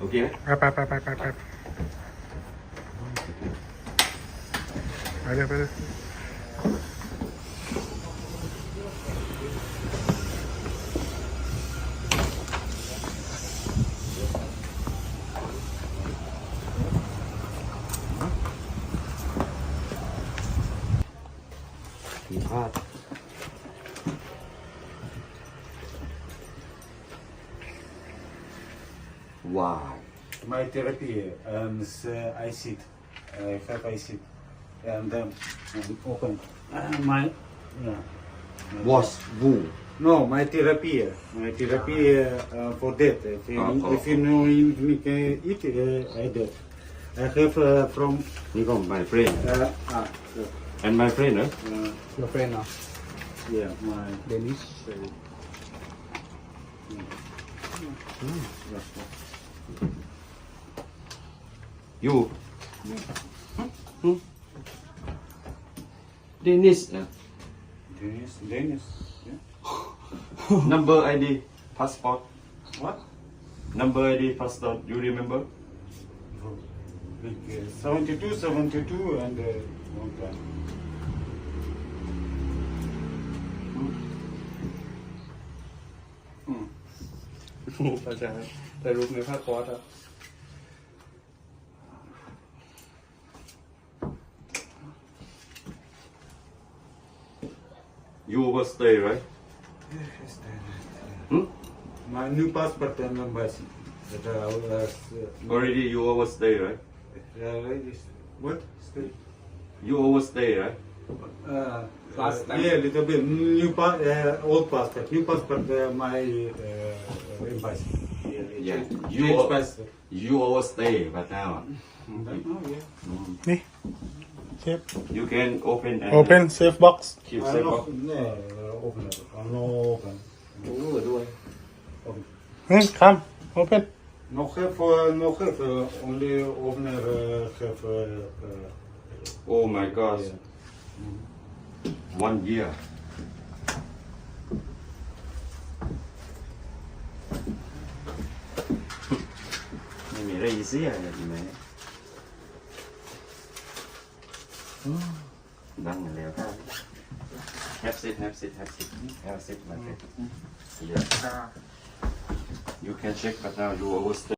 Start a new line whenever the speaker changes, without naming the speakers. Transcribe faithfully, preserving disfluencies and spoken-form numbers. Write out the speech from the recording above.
โอเคไหม
ไปไปไปไปไปไปเลยไปเลย
ผิดพลาด ว้าว
My therapy and uh, I sit. I have I sit and then um, open uh, my yeah. my-
วอชวู
No, my therapy. My therapy uh, uh, for that. If you,
Oh, oh,
if you know you can eat, uh, I do. I have uh, from
นี่ก็ my friend
uh, ah, uh,
and my friend นะ
uh,
your friend เนาะ
yeah, my
Danish
you Dennis นะ
Dennis, Dennis. Yeah.
number ไอ ดี passport
What?
number ไอ ดี passport you remember
Like uh, seventy-two, seventy-two, and uh, one time.
เข้าใจแต่รูปในผ้าคอสอะ
you will stay right
Yes,
hmm?
my new passport and embassy. That I was. Uh,
already you will stay right
uh, this- what? Still?
you will stay right
Uh,
Last
uh,
time.
Yeah, little bit. New pa- uh, old passport. New passport. Uh, my uh, embassy. Yeah.
Yeah.
Change,
You
change
are-
passport.
you will stay but now
Oh yeah.
นี่เซฟ
you can open and
open safe box
keep
I
safe
know.
box
Yeah, open it. I know open.
โอ้ด้วย
Open.
อืมครับ open
No have, uh, no have. Uh, only opener uh, have. Uh, uh,
oh my god
yeah.
one year ไม่มีอะไรอีเสียอย่างนี้ไหมดังแล้วครับ have sit have sit have sit have sit my friend yeah you can check but now you overstay